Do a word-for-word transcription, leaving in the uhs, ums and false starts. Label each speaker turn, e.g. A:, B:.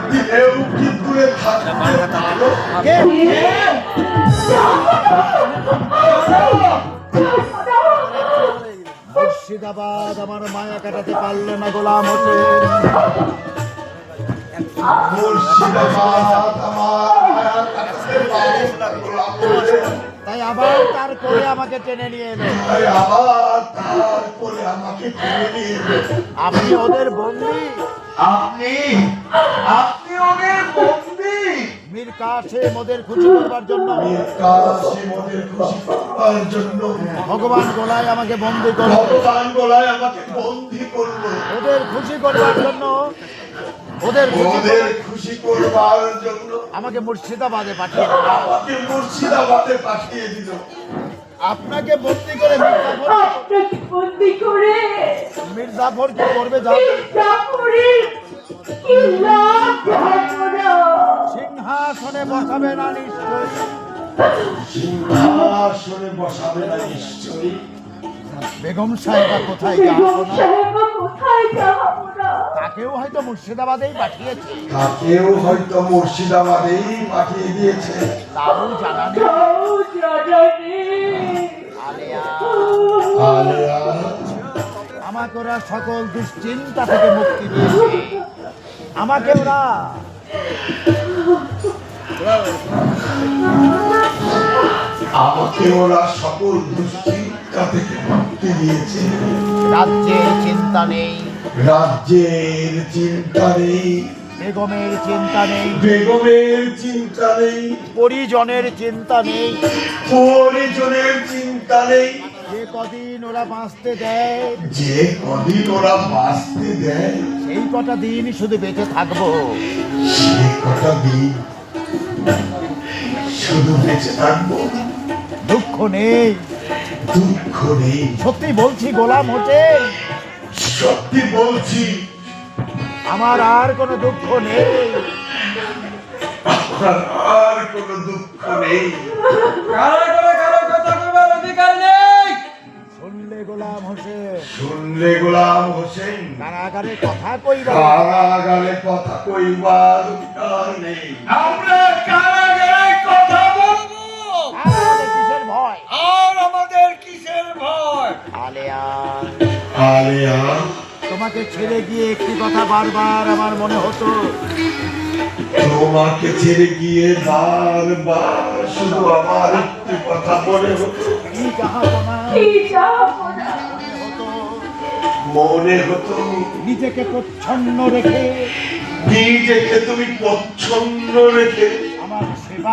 A: দিলেও কি দূরে থাকতে পারো?
B: মুর্শিদাবাদ আমার মায়া কাটাতে পারলো না গোলাম হোসেন।
A: মুর্শিদাবাদ আমার মায়া কাটাতে পারলো না গোলাম হোসেন।
B: তাই আবার তার কোলে আমাকে টেনে নিয়ে এলো।
A: তাই আবার তার কোলে আমাকে টেনে নিয়ে এলো।
B: আপনি ওদের বন্দী।
A: আপনি আপনি ওদের বন্দী।
B: মীর কাসেম ওদের খুশি করবার জন্য
A: মীর কাসেম ওদের খুশি করবার জন্য
B: ভগবান গোলায় আমাকে বন্দী করলো।
A: ভগবান গোলায় আমাকে বন্দী করলো।
B: ওদের খুশি করবার জন্য ওদের খুশি
A: ওদের
B: করে
A: খুশি করবার জন্য
B: আমাকে মুর্শিদাবাদে পাঠিয়ে দিল।
A: আমাকে মুর্শিদাবাদে পাঠিয়ে দিল।
B: আপনাকে বন্দী করে মির্জাফর
C: আপনাকে বন্দি করে
B: মির্জাফর কি করবে জানেন?
C: জাফরের কি লাভ আমরা?
B: সিংহাসনে বসাবে না নিশ্চয়ই।
A: সিংহাসনে বসাবে না নিশ্চয়ই।
B: বেগম সাহেবা কোথায়
C: বেগম
B: যাবো না?
C: সাহেবা কোথায় যাবো না?
B: তাকেও হয়তো মুর্শিদাবাদেই পাঠিয়েছে।
A: তাকেও হয়তো মুর্শিদাবাদেই পাঠিয়ে দিয়েছে।
B: তাও জানা নেই।
C: তাও জানা নেই।
B: আলেয়া,
A: আলেয়া,
B: আমাকে ওরা সকল দুশ্চিন্তা থেকে মুক্তি দিয়েছে। আমাকে ওরা
A: আমাকে ওরা সকল দুশ্চিন্তা থেকে মুক্তি দিয়েছে।
B: রাজ্যের চিন্তা নেই,
A: রাজ্যের চিন্তা নেই,
B: বেগমের চিন্তা নেই,
A: বেগমের চিন্তা নেই,
B: পরিজনের চিন্তা নেই।
A: পরিজনের চিন্তা নেই।
B: যে কদিন ওরা বাঁচতে দেয়
A: যে কদিন ওরা বাঁচতে দেয়
B: সেই কটা দিন শুধু বেঁচে থাকবো।
A: সে কটা দিন শুধু বেঁচে থাকবো।
B: দুঃখ নেই।
A: দুঃখ নেই।
B: সত্যি বলছি গোলাম হোসেন,
A: সত্যি বলছি
B: আমার আর কোনো দুঃখ নেই।
A: আমার আর কোনো দুঃখ নেই।
D: কারো করে কারো কথা কইবার অধিকার নেই।
B: শুনলে গোলাম হোসেন,
A: শুনলে গোলাম হোসেন,
B: কারাগারে কথা কইবা।
A: কারাগারে কথা কইবার অধিকার নেই।
D: আমরা কারাগারে কথা বলবো।
B: আর আমাদের কিসের ভয়?
D: আর আমাদের কিসের ভয়?
B: আলেয়া,
A: আলেয়া,
B: তোমাকে ছেড়ে গিয়ে একটি কথা বারবার আমার মনে হতো।
A: তোমাকে ছেড়ে গিয়ে বারবার শুধু আমার একটি কথা মনে হতো।
B: কি যাবো না
C: কি যাবো না?
B: হতো
A: মনে হতো
B: নিজেকে প্রচ্ছন্ন রেখে
A: নিজেকে তুমি পছন্দ রেখে
B: আমার সেবা